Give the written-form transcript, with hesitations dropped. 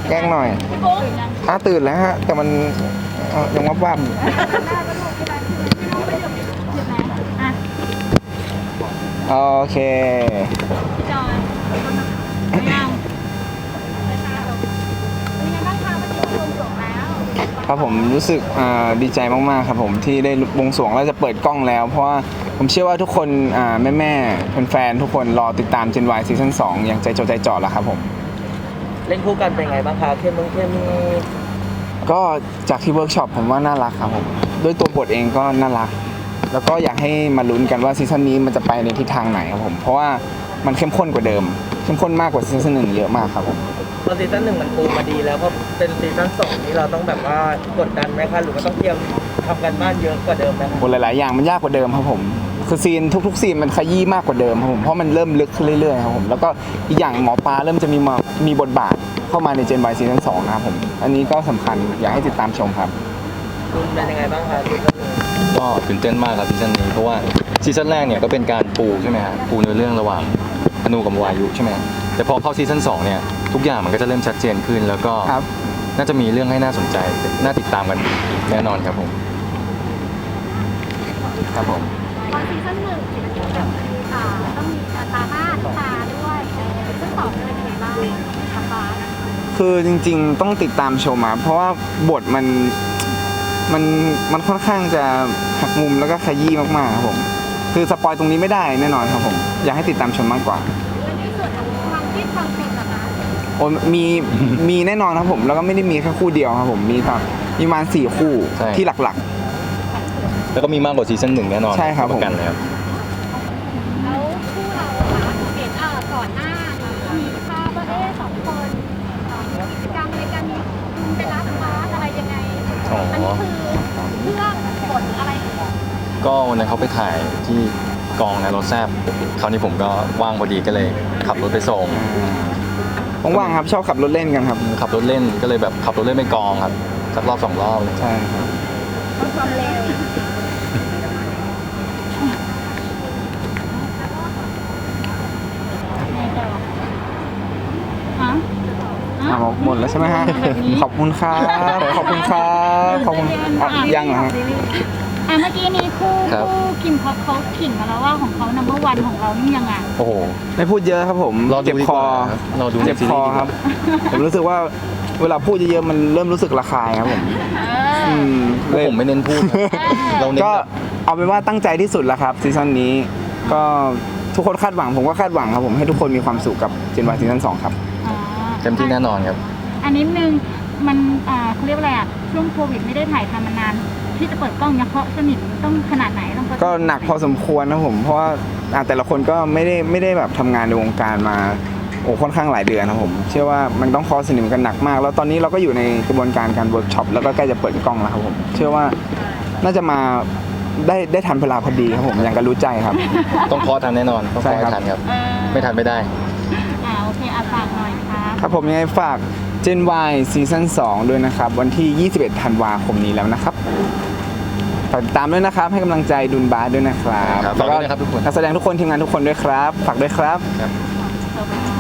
แกล้งหน่อยตื่นแล้วฮะแต่มันยังวับโอเคจอยไม่เอาครับผมรู้สึกดีใจมากๆครับผมที่ได้บวงสรวงแล้วจะเปิดกล้องแล้วเพราะว่าผมเชื่อว่าทุกคนแม่ๆแฟนๆทุกคนรอติดตาม Gen Y ซีซั่น2อย่างใจจดใจจ่อแล้วครับผมเล่นคู่กันเป็นไงบ้างคะเข้มก็จากที่เวิร์กช็อปผมว่าน่ารักครับผมด้วยตัวบทเองก็น่ารักแล้วก็อยากให้มาลุ้นกันว่าซีซั่นนี้มันจะไปในทิศทางไหนครับผมเพราะว่ามันเข้มข้นกว่าเดิมเข้มข้นมากกว่าซีซั่น1เยอะมากครับผมตอนซีซั่น1มันปูมาดีแล้วพอเป็นซีซั่น2นี่เราต้องแบบว่ากดดันไหมคะหรือว่าต้องเตรียมทำกันบ้านเยอะกว่าเดิมไหมคะหลายๆอย่างมันยากกว่าเดิมครับผมคือซีนทุกๆซีนมันขยี้มากกว่าเดิมครับผมเพราะมันเริ่มลึกขึ้นเรื่อยๆครับผมแล้วก็อีกอย่างหมอปลาเริ่มจะมีบทบาทเข้ามาใน Gen Y ซีซั่น2นะครับผมอันนี้ก็สำคัญอยากให้ติดตามชมครับคุณเป็นยังไงบ้างคะซีซั่น1 ก็ตื่นเต้นมากครับซีซั่นนี้เพราะว่าซีซั่นแรกเนี่ยก็เป็นการปูใช่ไหมฮะปูเนื้อเรื่องระหว่างอนูกับวายุใช่ไหมแต่พอเข้าซีซั่น2เนี่ยทุกอย่างมันก็จะเริ่มชัดเจนขึ้นแล้วก็น่าจะมีเรื่องให้น่าสนใจน่าติดตามกันแน่นอนครับผมครับผมตอนซีซั่น1ต้องมีตาหน้าตาด้วยซึ่งต่อเป็นยังไงบ้างคะคือจริงๆต้องติดตามชมมาเพราะว่าบทมันค่อนข้างจะหักมุมแล้วก็ขยี้มากๆครับผมคือสปอยตรงนี้ไม่ได้แน่นอนครับผมอยากให้ติดตามชมมากกว่าในส่วนของความคิดความเป็นนะคะโอ้มีแน่นอนครับผมแล้วก็ไม่ได้มีแค่คู่เดียวครับผมมีประมาณ4คู่ที่หลักๆแล้วก็มีมากกว่าซีซั่น1แน่นอนใช่ครับผมกันแล้วแล้วคู่เราเห็นก่อนหน้ามีภาพว่า2คนกิจกรรมในการมีคุณไปร้านค้าอะไรยังไงอันนี้คือเรื่องบทอะไรก็วันนั้นเขาไปถ่ายที่กองนะรถแซบคราวนี้ผมก็ว่างพอดีก็เลยขับรถไปส่งว่างครับชอบขับรถเล่นกันครับขับรถเล่นก็เลยแบบขับรถเล่นไปกองครับสักรอบ2 รอบใช่ครับความเร็วหมดแล้วใช่ไหมฮะขอบคุณครับขอบคุณครับขอบคุณยังเหรอฮะเมื่อกี้นี้คู่คิมเขาขิงมาแล้วว่าของเขาnumber 1ของเรานี่ยังไงโอ้โหไม่พูดเยอะครับผมเจ็บคอเจ็บคอครับผมรู้สึกว่าเวลาพูดเยอะๆมันเริ่มรู้สึกระคายครับผมผมไม่เน้นพูดก็เอาเป็นว่าตั้งใจที่สุดแล้วครับซีซั่นนี้ก็ทุกคนคาดหวังผมก็คาดหวังครับผมให้ทุกคนมีความสุขกับ Gen Y ซีซั่น2ครับเต็มที่แน่นอนครับอันนี้นึงมันเขาเรียกว่าอะไรช่วงโควิดไม่ได้ถ่ายทำมานานที่จะเปิดกล้องยังเคาะสนิทต้องขนาดไหนต้องก็หนักพอสมควรนะผมเพราะว่าแต่ละคนก็ไม่ได้แบบทำงานในวงการมาค่อนข้างหลายเดือนนะผมเชื่อว่ามันต้องเคาะสนิทกันหนักมากแล้วตอนนี้เราก็อยู่ในกระบวนการเวิร์กช็อปแล้วก็ใกล้จะเปิดกล้องแล้วครับผมเชื่อว่าน่าจะมาได้ทันเวลาพอดีครับผมอย่างกันรู้ใจครับต้องเคาะทันแน่นอนต้องเคาะทันครับไม่ทันไม่ได้โอเคฝากหน่อยครับผมยังไงฝาก Gen Y ซีซั่น2ด้วยนะครับวันที่21ธันวาคมนี้แล้วนะครับฝากติดตามด้วยนะครับให้กำลังใจดุลบาสด้วยนะครับแล้วก็นักแสดงทุกคนทีมงานทุกคนด้วยครับฝากด้วยครับ